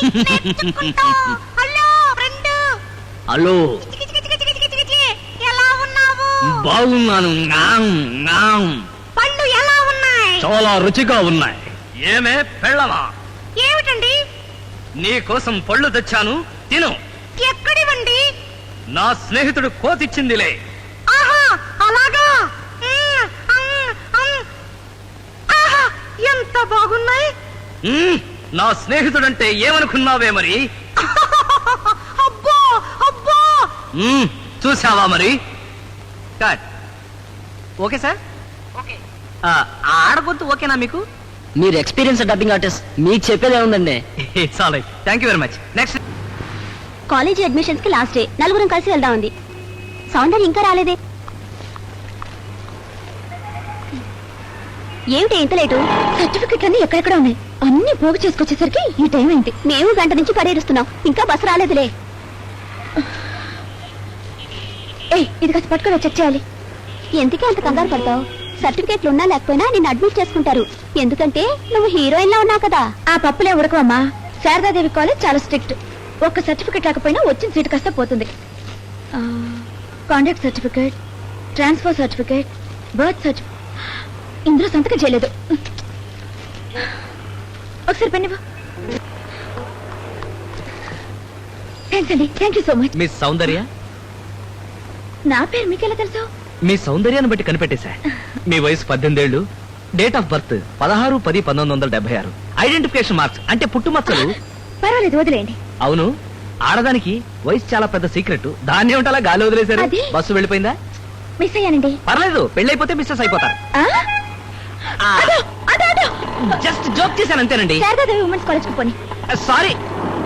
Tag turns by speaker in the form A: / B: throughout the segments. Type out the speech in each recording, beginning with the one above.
A: Hello friend.
B: Hello,
A: ఎలా ఉన్నావు?
B: బాగున్నాను.
A: పళ్ళు ఎలా ఉన్నాయి?
B: చాలా రుచిగా ఉన్నాయి. ఏమే పెళ్ళమా?
A: ఏమిటండి?
B: నీ కోసం పళ్ళు తెచ్చాను, తిను.
A: ఎక్కడివండి?
B: నా స్నేహితుడు కోతిచ్చిందిలే.
A: ఆహా, అలాగా. ఆహా, ఎంత బాగున్నాయి.
B: నా స్నేహితుడంటే ఏమనుకున్నావే మరి?
A: అబ్బో అబ్బో.
B: చూసావా మరి? కట్. Okay sir.
A: ఓకే.
B: ఆడగొద్దు ఓకేనా మీకు?
C: మీరు ఎక్స్పీరియన్స్ డబ్బింగ్ ఆర్టిస్ట్, మీకు చెప్పేదే ఉందండి.
B: చాలా thank you very much. Next.
D: College admissions కి లాస్ట్ డే, నలుగురం కలిసి వెళ్దాం ఉంది. సౌందర్య ఇంకా రాలేదే? ఏమిటి ఇంత లేటు? సర్టిఫికెట్ అన్ని ఎక్కడెక్కడ ఉన్నాయి, అన్ని పోగు చేసుకొచ్చేసరికి ఈ టైం అయింది. మేము గంట నుంచి పరిహరిస్తున్నాం, ఇంకా బస్సు రాలేదులే. ఇది కాస్త పట్టుకొని చెక్ చేయాలి. ఎందుకే అంత కంగారు పడతావు? సర్టిఫికెట్లు ఉన్నా లేకపోయినా నిన్ను అడ్మిట్ చేసుకుంటారు. ఎందుకంటే నువ్వు హీరోయిన్ లా ఉన్నావు కదా. ఆ పప్పులే ఉడకవమ్మా. శారదాదేవి కాలేజ్ చాలా స్ట్రిక్ట్. ఒక్క సర్టిఫికెట్ రాకపోయినా వచ్చిన సీటు కాస్త పోతుంది. Contact certificate, transfer certificate, birth certificate ఇందులో సంతకం చేయలేదు. ఒకసారి పెన్నివ్వు. థ్యాంక్స్ అండి, thank you so much.
B: Miss Soundarya?
D: నా పేరు మీకెలా తెలుసు?
B: మీ సౌందర్యాన్ని బట్టి కనిపెట్టేశా. మీ వయసు 18 ఏళ్ళు, date of birth 16/10/1976, identification marks అంటే పుట్టుమచ్చలు.
D: పర్వాలేదు, వదిలేయండి.
B: అవును, ఆడదానికి వయసు చాలా పెద్ద సీక్రెట్. దాన్ని ఉంటే అలా గాలి వదిలేశారు.
D: అది?
B: బస్సు వెళ్ళిపోయిందా?
D: మిస్ అయ్యానండి.
B: పర్లేదు, పెళ్ళైపోతే మిస్సెస్ అయిపోతారు. జస్ట్ జోక్ చేశాను అంతేనండి.
D: శారదాదేవి ఉమెన్స్ కాలేజ్ కు పోనీ.
B: సారీ.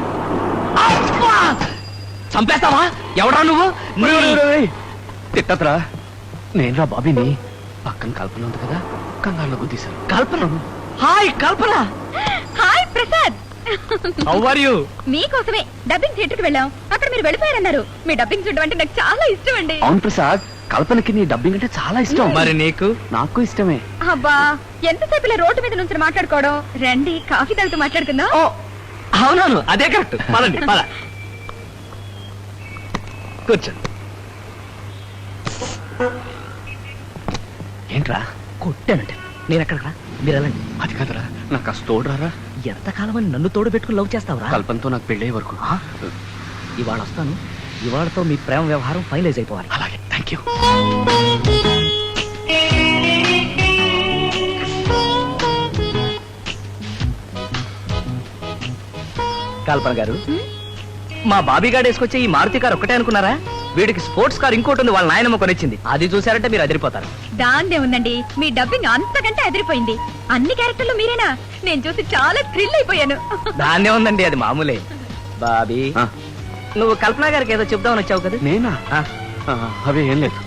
B: చంపేస్తావా? ఎవడా నువ్వు?
E: తిట్టత్రా, నేనురా బాబీని. పక్కన కల్పన ఉంది కదా, కంగారులో గుద్దీశాను.
B: Kalpana? Hi Kalpana.
D: Hi Prasad.
B: How are you?
D: మీకోసమే డబ్బింగ్ థియేటర్ కి వెళ్ళాం. అక్కడ మీరు వెళ్ళిపోయారన్నారు. మీ డబ్బింగ్ చూడడం అంటే నాకు చాలా ఇష్టం అండి.
E: అవును ప్రసాద్, కల్పనకి నీ డబ్బింగ్ అంటే చాలా ఇష్టం.
B: మరి నీకు?
E: నాకు ఇష్టమే.
D: అబ్బా, ఎంతసేపు ఇలా రోడ్డు మీద నుంచి మాట్లాడుకోవడం. రండి, కాఫీ తాగుతూ మాట్లాడుకుందాం.
B: ఓ అవునవును, అదే కరెక్ట్. పదండి పద. కూర్చో.
E: ఏంట్రా?
B: కొట్టానంటే నేను ఎక్కడరా? మీరు వెళ్ళండి.
E: అది కాదురా, నాకు కాస్త తోడురారా.
B: ఎంతకాలం అని నన్ను తోడు పెట్టుకుని లవ్ చేస్తావురా?
E: కల్పనతో నాకు పెళ్ళే వరకు.
B: ఇవాళ వస్తాను. ఇవాళతో మీ ప్రేమ వ్యవహారం ఫైనలైజ్ అయిపోవాలి.
E: అలాగే, థ్యాంక్ యూ.
B: కల్పన గారు, మా బాబీ గారు వేసుకొచ్చే ఈ మారుతి కారు ఒక్కటే అనుకున్నారా? వీడికి స్పోర్ట్స్ కార్ ఇంకోటి ఉంది, వాళ్ళ నాయనమ్మ కొనిచ్చింది. అది చూసారంటే మీరు అదిరిపోతారు.
D: దాన్నే ఉందండి, మీ డబ్బింగ్ అంతకంటే అదిరిపోయింది. అన్ని క్యారెక్టర్లు మీరేనా? నేను చూసి చాలా థ్రిల్ అయిపోయాను.
B: దాన్నే ఉందండి, అది మామూలే. బాబీ, నువ్వు కల్పన గారికి ఏదో చెప్దామని వచ్చావు కదా?
E: నేనా? అవే ఏం లేదు.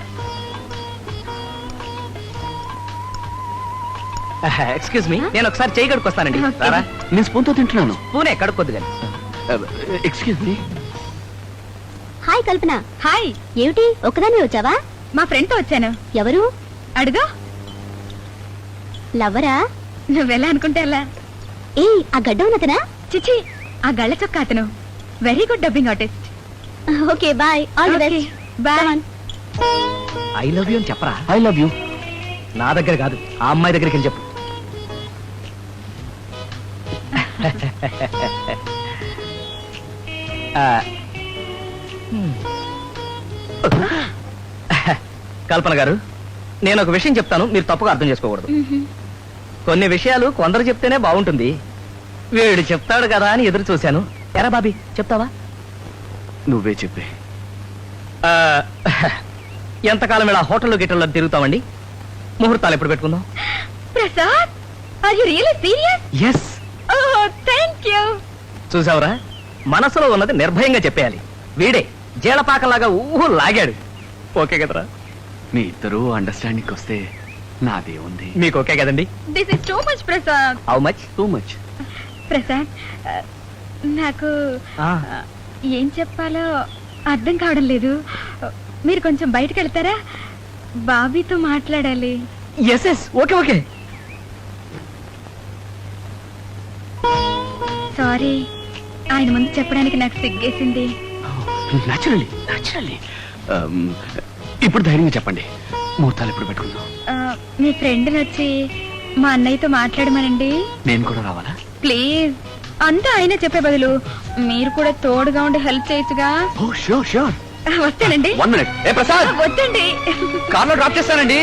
B: ఎక్స్క్యూజ్ మీ, నేను ఒకసారి చేయి కడుక్కొస్తానండి. రారా?
E: నేను స్పూన్ తో తింటున్నాను.
B: పూనే కడుక్కొద్దు కానీ.
E: Excuse me.
D: Hi Kalpana. Hi. ఏమిటి ఒక్కదాన్ని వచ్చావా? మా ఫ్రెండ్ తో వచ్చాను. ఎవరు? అడుగు. లవ్వరా? నువ్వెలా అనుకుంటే అలా. ఆ గడ్డ ఉన్నతనా? చిచి, ఆ గళ్ళ చొక్క అతను. Very good dubbing artist. Okay bye. All the best. Bye.
B: I love you అని చెప్పరా?
E: I love you.
B: నా దగ్గర కాదు, ఆ అమ్మాయి దగ్గరికి వెళ్ళి చెప్పు. కల్పన గారు, నేను ఒక విషయం చెప్తాను, మీరు తప్పుగా అర్థం చేసుకోకూడదు. కొన్ని విషయాలు కొందరు చెప్తేనే బాగుంటుంది. వీడు చెప్తాడు కదా అని ఎదురు చూశాను. ఎరా బాబీ, చెప్తావా?
E: నువ్వే చెప్పే.
B: ఎంతకాలం ఇలా హోటల్లో గిట్టల్లో తిరుగుతామండి? ముహూర్తాలు ఎప్పుడు పెట్టుకుందాం?
D: Prasad, are you really serious?
B: Yes.
D: Oh, thank you.
B: చూసావురా, మనసులో ఉన్నది నిర్భయంగా చెప్పేయాలి. వీడే జీలపాకలాగా ఊహు లాగాడు. ఓకే కదరా?
E: మీ ఇద్దరు అండర్స్టాండింగ్ వస్తే నాదే ఉంది.
B: మీకు ఓకే కదండి?
D: This is too much Prasad.
B: How much?
E: Too much.
D: Prasad, నాకు ఏం చెప్పాలో అర్థం కావడం లేదు. మీరు కొంచెం బయటకు వెళ్తారా? బాబీతో మాట్లాడాలి.
B: Yes yes, okay okay.
D: Sorry, ఆయన ముందు చెప్పడానికి నాకు సిగ్గేసింది.
E: Naturally naturally. ఇప్పుడు ధైర్యంగా చెప్పండి, ముహూర్తాలు ఎప్పుడు పెట్టుకుందాం?
D: మీ ఫ్రెండ్ వచ్చి మా అన్నయ్యతో మాట్లాడమనండి.
E: నేను కూడా రావాలా?
D: ప్లీజ్. అంతా ఆయనే చెప్పే బదులు మీరు కూడా తోడుగా ఉండి హెల్ప్ చేయొచ్చుగా.
E: Oh sure sure.
D: వస్తానండి.
E: 1 minute. ఏ ప్రసాద్,
D: వద్దండి.
B: కార్లో డ్రాప్ చేస్తానండి.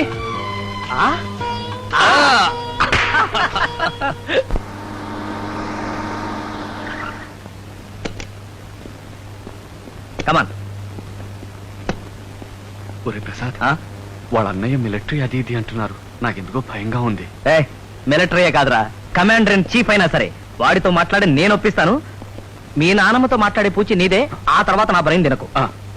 B: కమాన్.
E: ఒరే ప్రసాద్, వాళ్ళ అన్నయ్య మిలిటరీ అది ఇది అంటున్నారు, నాకెందుకో భయంగా ఉంది.
B: మిలిటరీయే కాదురా, కమాండర్ ఇన్ చీఫ్ అయినా సరే వాడితో మాట్లాడి నేను ఒప్పిస్తాను. మీ నాన్నమ్మతో మాట్లాడే పూచి నీదే, ఆ తర్వాత నా బ్రెయిన్ తినకు.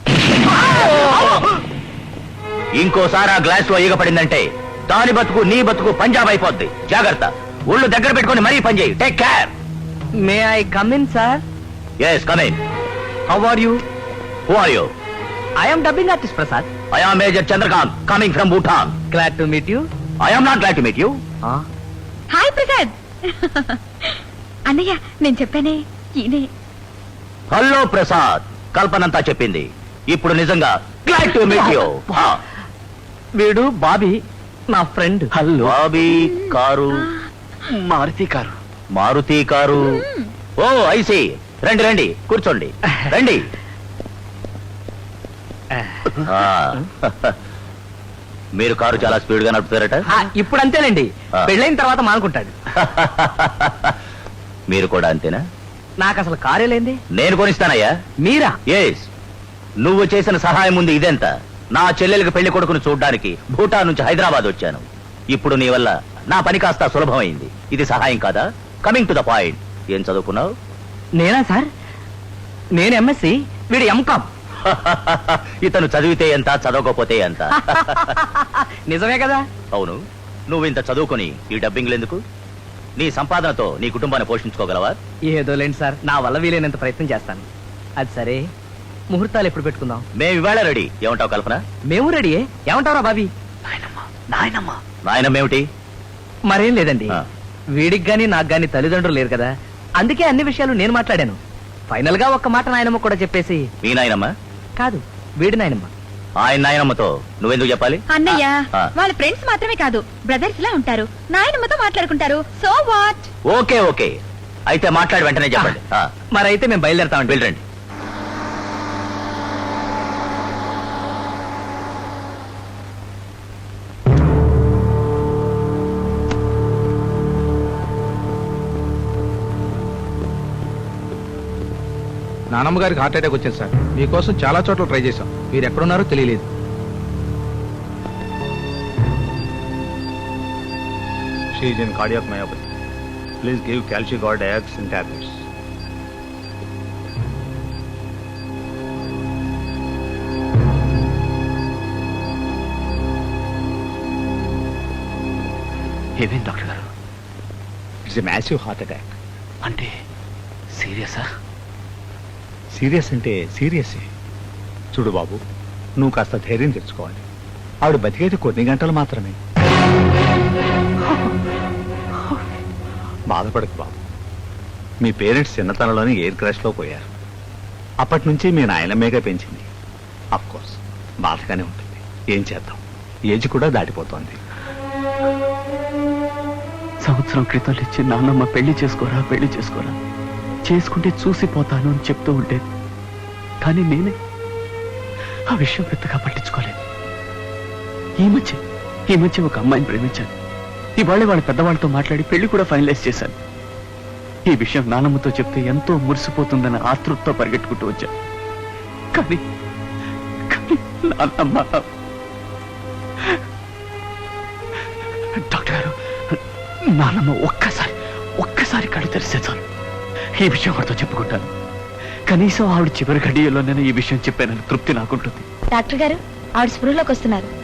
B: ఇంకోసారి ఆ గ్లాస్ లో ఈగ పడిందంటే దాని బతుకు నీ బతుకు పంజాబ్ అయిపోద్ది. జాగ్రత్త, ఒళ్ళు దగ్గర పెట్టుకొని మరీ పని చేయి. Take care. May I come in sir? Yes, come in. How are you? Who are you? I am dubbing artist Prasad. I am major Chandrakant, coming from Bhutan. Glad to meet you. I am not glad to meet you.
D: Hi Prasad. అన్నయ్య, నేను చెప్పానే ఈయనే.
B: Hello Prasad, కల్పనంతా చెప్పింది. ఇప్పుడు నిజంగా glad to meet you. వీడు బాబీ, నా friend.
E: Hello.
B: Bobby car,
E: Maruti car.
B: Maruti car. Oh I see. రండి రండి, కూర్చోండి, రండి. మీరు కారు చాలా స్పీడ్ గా నడుపుతారట. ఇప్పుడు అంతేనండి, పెళ్ళైన తర్వాత మానుకుంటాడు. మీరు కూడా అంతేనా? నాకు అసలు కారే లేంది. నేను కొనిస్తానయ్యా. మీరా? ఎస్. నువ్వు చేసిన సహాయం ఉంది ఇదెంత. నా చెల్లెలికి పెళ్లి కొడుకును చూడ్డానికి భూటాన్ నుంచి హైదరాబాద్ వచ్చాను. ఇప్పుడు నీ వల్ల నా పని కాస్త సులభమైంది. ఇది సహాయం కాదా? కమింగ్ టు ద పాయింట్, ఏం చదువుకున్నావు? నేనా సార్? నేను ఎంఎస్సి, వీడు ఎంకామ్. ఇతను చదివితే ఎంత, చదవకపోతే ఎంత. నిజమే కదా? అవును. నువ్వు ఇంత చదువుకొని ఈ డబ్బింగ్లు ఎందుకు? నీ సంపాదనతో నీ కుటుంబాన్ని పోషించుకోగలవా? ఏదో లేండి సార్, నా వల్ల వీలైనంత ప్రయత్నం చేస్తాను. అది సరే, ముహూర్తాలు ఎప్పుడు పెట్టుకుందాం? మేము ఇవాళ రెడీ. ఏమంటావు కల్పన? మేము రెడీ. ఏమంటావురా బాబీ?
E: నాయనమ్మ.
B: నాయనమ్మ ఏమిటి? మరేం లేదండి, వీడికి గాని నాకు గాని తల్లిదండ్రులు లేరు కదా, అందుకే అన్ని విషయాలు నేను మాట్లాడాను. ఫైనల్ గా ఒక్క మాట నాయనమ్మ కూడా చెప్పేసి. మీ నాయనమ్మ కాదు, వీడి నాయనమ్మ. ఆయన నాయనమ్మతో నువ్వెందుకు చెప్పాలి?
D: అన్నయ్య, వాళ్ళ ఫ్రెండ్స్ మాత్రమే కాదు, బ్రదర్స్ లా ఉంటారు. నాయనమ్మతో మాట్లాడుకుంటారు. So what?
B: ఓకే ఓకే, అయితే మాట్లాడి వెంటనే చెప్పండి. మరైతే మేము బయలుదేరతామండి. వెళ్ళండి.
F: నానమ్మ గారికి హార్ట్ అటాక్ వచ్చింది సార్. మీకోసం చాలా చోట్ల ట్రై చేశాం, మీరు ఎక్కడున్నారో తెలియలేదు.
G: She is in cardiac myopathy. Please give Calcigard X in tablets.
E: ఏమేం డాక్టర్ గారు?
G: It's a massive heart attack.
E: అంటే సీరియసా?
G: సీరియస్ అంటే సీరియస్. చూడు బాబు, నువ్వు కాస్త ధైర్యం తెచ్చుకోవాలి. ఆవిడ బతికేది కొన్ని గంటలు మాత్రమే. బాధపడకు బాబు. మీ పేరెంట్స్ చిన్నతనంలోనే ఎయిర్ క్రాష్ లో పోయారు. అప్పటి నుంచి మీ నాయనమ్మేగా పెంచింది. అఫ్ కోర్స్ బాధగానే ఉంటుంది. ఏం చేద్దాం, ఏజ్ కూడా దాటిపోతోంది.
E: సంవత్సరం క్రితం ఇచ్చి నాన్నమ్మ పెళ్లి చేసుకోరా పెళ్లి చేసుకోరా, చేసుకుంటే చూసిపోతాను అని చెప్తూ ఉండేది. కానీ నేనే ఆ విషయం పెద్దగా పట్టించుకోలేదు. ఈ మధ్య ఒక అమ్మాయిని ప్రేమించాను. ఇవాళ వాళ్ళ పెద్దవాళ్ళతో మాట్లాడి పెళ్లి కూడా ఫైనలైజ్ చేశాను. ఈ విషయం నాన్నమ్మతో చెప్తే ఎంతో మురిసిపోతుందన్న ఆతృతతో పరిగెట్టుకుంటూ వచ్చాను. కానీ నాన్నమ్మ. డాక్టర్ గారు, నాన్నమ్మ ఒక్కసారి కళ్ళు తెరిస్తే చాలు ఈ విషయం ఆవిడతో చెప్పుకుంటాను. కనీసం ఆవిడ చివరి గడియలో నేను ఈ విషయం చెప్పానని తృప్తి నాకుంటుంది.
D: డాక్టర్ గారు, ఆవిడ స్పృహలోకి వస్తున్నారు.